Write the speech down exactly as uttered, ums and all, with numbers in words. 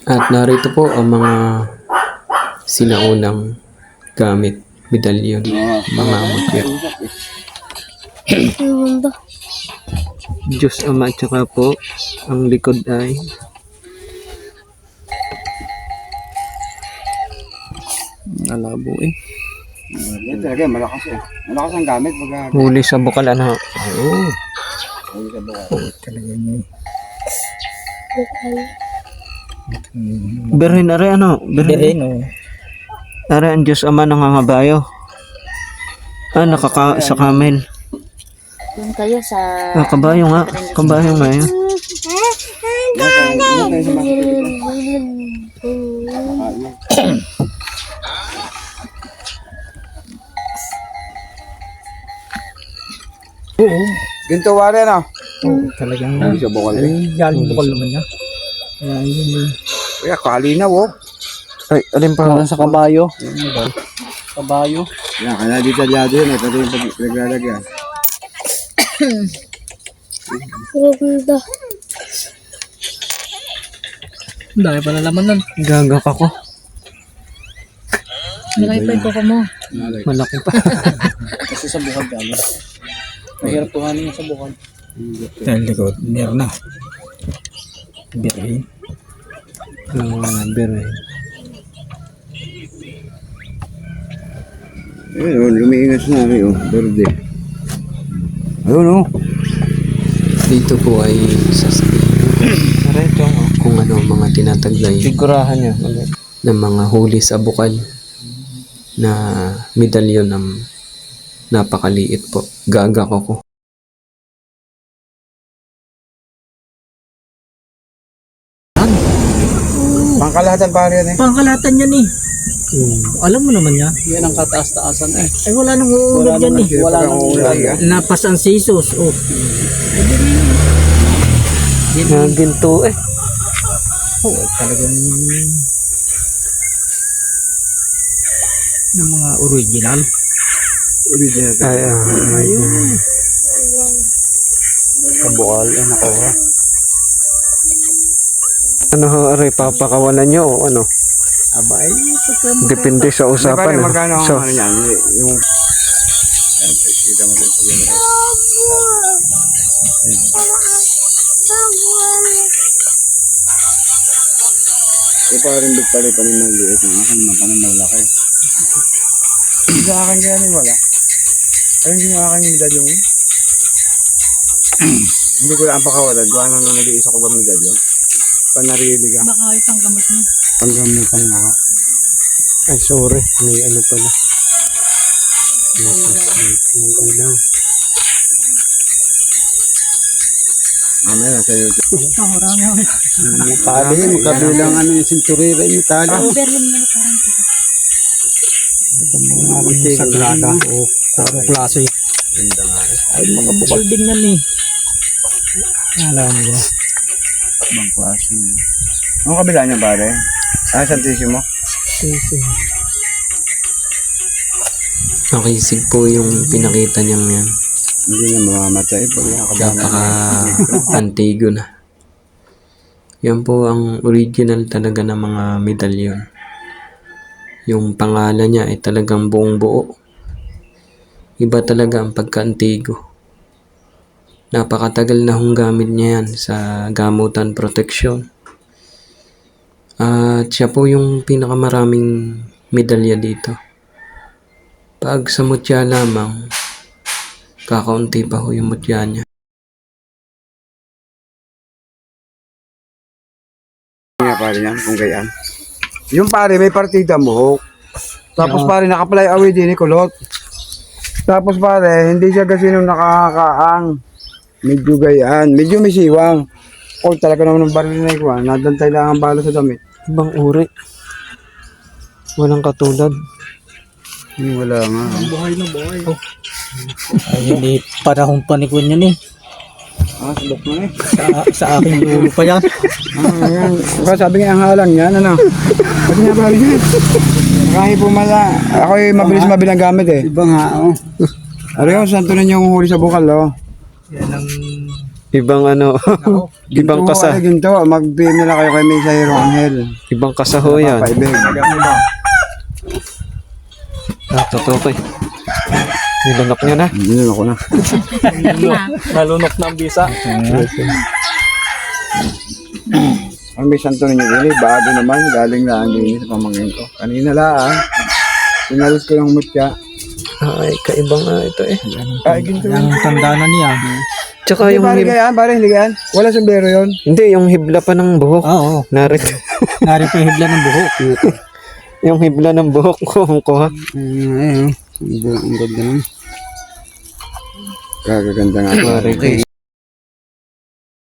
At narito po ang mga sinaunang gamit, medalyon, mga mutya. Diyos Ama at saka po ang likod ay nalabo eh. Yan talaga, malakas eh. Malakas ang gamit. Baga, Huli sa bukal ano. Oh. huli sa baka. Oh, talaga niya. Berhin are ano? Berhin oh. Are ang Diyos Ama nangangabayo. Ah, nakaka sa camel. Doon kayo sa... Ah, kabayo nga. Kabayo nga yun. Oo. Ginto wari na. Oo, talagang Huli sa bukal eh. galing bukal naman niya. Ayan, yun yun. Kaya kalinaw oh. Ay, alin pa sa kabayo? Kabayo. Yan, kaya detalyado yun. Ito yung pag- pinaglalagyan. Ganda. Dahil pala laman nun. Gagak ako. Malaki pa yung koko mo. Malaki pa. Kasi sa bukal galing. Mahirap tuhanin yung sa bukal. Dahil likod, meron na. Birin. Ang mga birin. Ayun oh, lumiingas na rin oh. Berde. Ayun oh. Dito po ay sasabihin ito kung ano mga tinataglay Sigurahan niya. ng mga huli sa bukal na medalyon ng napakaliit po. Gagak ako. Pangkalahatan pare yan eh. Pangkalatan yan eh. Hmm. Alam mo naman niya. Yan ang kataas-taasan eh. Ay wala nang uulog yan eh. Wala nang uulog yan. Napas ang sisos. Oh. Mga ginto eh. Oh, talagang ng mga original. Original. Ay, ah, ayun. Kabukal. Yan ako ha. Ano ho, aray, papakawalan nyo o ano? Aba ay pagka Depende sa Pare, usapan. ah. magkano ang So, ano yan? Yung... Yan, kita mo rin pag yan. Ito pa rin bigpali pa rin maliit. Ang akin naman pa rin malaki. Hindi sa akin kaya rin wala. Ayun din yung akin yung medalyo mo. Hindi ko lang pakawalan. Kung ano nang nag-iisa ko ba medalyo. Panarili ka. baka itang gamot mo. Panggamitan nga ako. ay sorry, may ano pala. May, may, may ilaw. Mamaya na sa YouTube. Ito, marami ako. Tali, magkabilang ano yung sinturira yung tali. Berlin mo parang ito. Sagrada. O, puro klase. Ganda nga eh. Ay, mga bukal din yan eh. Alam mo ba? Ibang klase. Ang kabila niya pare? Ah, Santísimo? Nakisig po yung pinakita niyang yan. Hindi niya mamamatay pag nakakabana. Napaka-antigo na. Yan po ang original talaga ng mga medalyon. Yung pangalan niya ay talagang buong buo. Iba talaga ang pagka-antigo. Napakatagal na hong gamit niya yan sa gamutan proteksyon. At siya po yung pinakamaraming medalya dito. Pag sa mutya lamang, kakaunti pa ho yung mutya niya. Nga pare niyan, kung gayaan. Yung pare, may partida mo. Tapos pare, nakapalay away din ni Kulot. Tapos pare, hindi siya kasi nung nakakaang. Medyo gayaan, medyo may siwang. O talaga naman ng baril na ikuha, nadantay lang ang bala sa damit. Ibang uri. Walang katulad. Hmm, wala nga. Buhay na buhay. Oh. Ay, hindi panahon panikon yan eh. Ah, subok mo eh. Sa, sa aking ulo pa yan. Ah, ayan. Baka sabi nga ang halang yan, ano? Pati nga pare yan. Kahit pumala, ako ay mabilis mabilang gamit eh. Ibang hao. Ano yung santo ninyo yung huli sa bukal, oh. Yan ang Ibang ano, ibang Ginto, kasa. ay, ginto. Mag-P M nila kayo kay Mesa Hero Angel. Ibang kasa ho yan. Papaibig. Ah, totoo eh. Nilunok niya na. Hindi ako na. Nalunok na ang bisa. Ang may santo ninyo ini, bago naman, galing na ang linis sa pamangkin ko. Kanina lang, pinalis ko yung mutya. Ay, kaiba nga ito eh. Ay, ginto Yan yun. ang tanda na niya. Tsaka Hindi yung pare hib... gayaan, pare, hindi gayaan. Wala sombrero yun. Hindi, yung hibla pa ng buhok. Oo. Narito. Nari pa yung hibla ng buhok. Yung hibla ng buhok ko, ang kuha. Ayun, ayun. Ang ganda naman. Kagaganda nga. Pare,